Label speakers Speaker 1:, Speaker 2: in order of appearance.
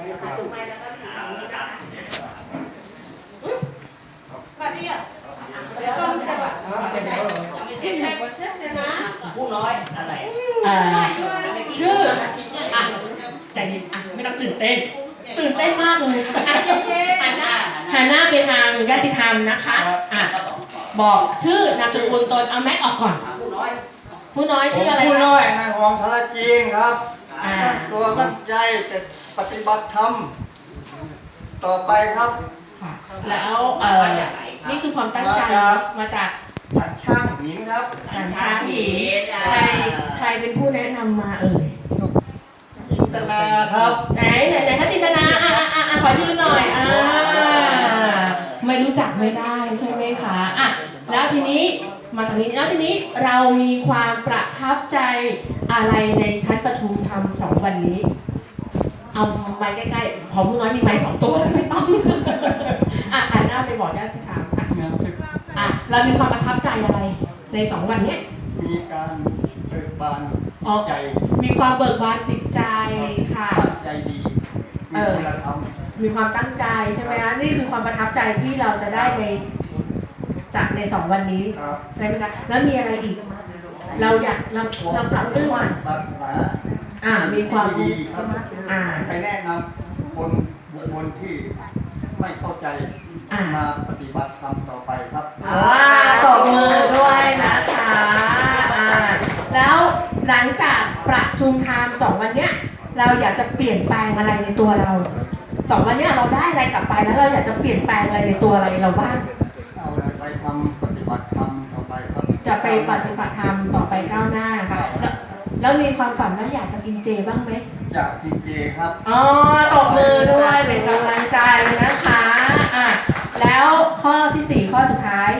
Speaker 1: ถูกไหมแล้วก็ที่สองนี้นะคะมาดิอ่ะเดี๋ยวก่อนจะว่าเสร็จแล้วเสร็จแล้วนะผู้น้อยอะไร
Speaker 2: ชื่อใจเย็นไม่ต้องตื่นเต้นมากเลยค่ะหันหน้าไปทางญาติธรรมนะคะบอกชื่อนามสกุลตนเอาแม็กออกก่อนผู้น้อยชื่ออะไร
Speaker 3: ผู้น้อยนายหองทรจีนครับตัวตั้งใจจะปฏิบัติธรรมต่อไปครับ
Speaker 2: แล้วนี่คือความตั้งใจมาจาก
Speaker 3: ฉันช่างหินครับ
Speaker 2: ฉันช้างหินใครเป็นผู้แนะนำมา
Speaker 3: จินตนาครับ
Speaker 2: ไหนถ้าจินตนาขอยืนหน่อยไม่รู้จักไม่ได้ใช่ไหมคะแล้วทีนี้มาทางนี้แล้วทีนี้เรามีความประทับใจอะไรในชั้นประชุมธรรม2 วันนี้เอาไม้ใกล้ๆพอผู้น้อยมีไม้2 ตัวไม่ต้องหันหน้าไปบอกญาติธรรมเรามีความประทับใจอะไรใน2 วันนี้
Speaker 3: มีการเบิกบานใจ
Speaker 2: มีความเบิกบานจิตใจค่ะ
Speaker 3: ใจดีมีคุณธรรม
Speaker 2: มีความตั้งใจใช่ไหมคะนี่คือความประทับใจที่เราจะได้จากใน2 วันนี้ใช่ไหมคะแล้วมีอะไรอีกเราปรับปรื้มมีความ
Speaker 3: ดีครับไปแนะนำคนบุคคลที่ไม่เข้าใจมาปฏิบัติธรรมต่อไปครับ
Speaker 2: ตบมือด้วยนะคะแล้วหลังจากประชุมธรรม2 วันเนี้ยเราอยากจะเปลี่ยนแปลงอะไรในตัวเรา2 วันเนี้ยเราได้อะไรกลับไปแล้วเราอยากจะเปลี่ยนแปลงอะไรในตัวอะไรเราบ้าง
Speaker 3: เอาไปทำปฏิบัติธรรมต่อไปครับ
Speaker 2: จะไปปฏิบัติธรรมต่อไปก้าวหน้าค่ะแล้วมีความฝันว่าอยากจะกินเจบ้างไหม
Speaker 3: อยากกินเจครับ
Speaker 2: ตบมือด้วยเป็นกำลังใจนะคะแล้วข้อที่4ข้อสุดท้าย